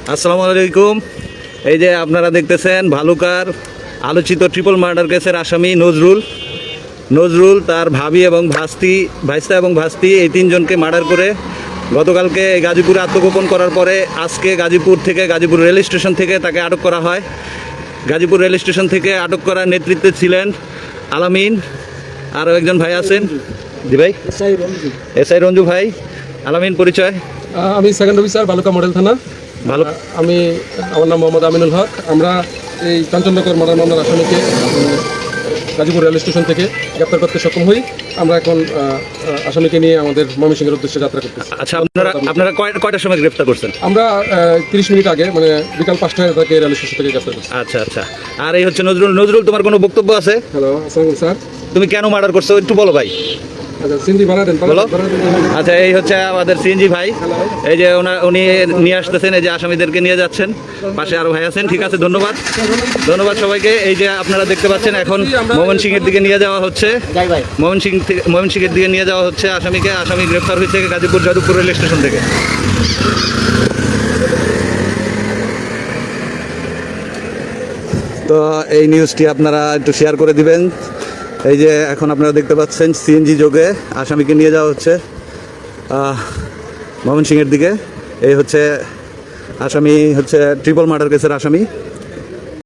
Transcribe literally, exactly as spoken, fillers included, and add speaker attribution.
Speaker 1: আসসালামু আলাইকুম। এই যে আপনারা দেখতেছেন ভালুকার আলোচিত ট্রিপল মার্ডার কেসের আসামি নজরুল নজরুল তার ভাবি এবং ভাস্তি ভাইস্তা এবং ভাস্তি এই তিনজনকে মার্ডার করে গতকালকে গাজীপুরে আত্মগোপন করার পরে আজকে গাজীপুর থেকে গাজীপুর রেল স্টেশন থেকে তাকে আটক করা হয়। গাজীপুর রেল স্টেশন থেকে আটক করার নেতৃত্বে ছিলেন আলামিন, আরও একজন ভাই আছেন। জি ভাই, এস আই রঞ্জু ভাই। আলামিন পরিচয়?
Speaker 2: আমি সেকেন্ড অফিসার ভালুকা মডেল থানা।
Speaker 1: ভালো,
Speaker 2: আমি আমার নাম মোহাম্মদ আমিনুল হক। আমরা এই কাঞ্চননগর মার্ডার মামলার আসামিকে গাজীপুর রেল স্টেশন থেকে গ্রেপ্তার করতে সক্ষম হই। আমরা এখন আসামিকে নিয়ে আমাদের ময়মনসিংহের উদ্দেশ্যে যাত্রা করতেছি।
Speaker 1: আচ্ছা, আপনারা আপনারা কয়টা কয়টার সময় গ্রেফতার করছেন?
Speaker 2: আমরা তিরিশ মিনিট আগে, মানে বিকাল পাঁচটায় তাকে রেল স্টেশন থেকে গ্রেপ্তার করছি।
Speaker 1: আচ্ছা আচ্ছা। আর এই হচ্ছে নজরুল। নজরুল, তোমার কোনো বক্তব্য আছে?
Speaker 2: হ্যালো, আসসালামু স্যার।
Speaker 1: তুমি কেন মার্ডার করছো একটু বলো ভাই।
Speaker 2: আচ্ছা, সিএনজি ভাড়া দেন,
Speaker 1: বলো। আচ্ছা, এই হচ্ছে আমাদের সিএনজি ভাই। এই যে ওনা- উনি নিয়ে আসতেছেন, এই যে আসামিদেরকে নিয়ে যাচ্ছেন। পাশে আরো ভাই আছেন। ঠিক আছে, ধন্যবাদ ধন্যবাদ সবাইকে। এই যে আপনারা দেখতে পাচ্ছেন এখন ময়মনসিংহের দিকে নিয়ে যাওয়া হচ্ছে। ময়মনসিংহ থেকে ময়মনসিংহের দিকে নিয়ে যাওয়া হচ্ছে আসামিকে। আসামি গ্রেফতার হয়েছে গাজীপুর যাদবপুর রেল স্টেশন থেকে। তো এই নিউজটি আপনারা একটু শেয়ার করে দিবেন। এই যে এখন আপনারা দেখতে পাচ্ছেন সিএনজি যোগে আসামিকে নিয়ে যাওয়া হচ্ছে ময়মনসিংহের দিকে। এই হচ্ছে আসামি, হচ্ছে ট্রিপল মার্ডার কেসের আসামি।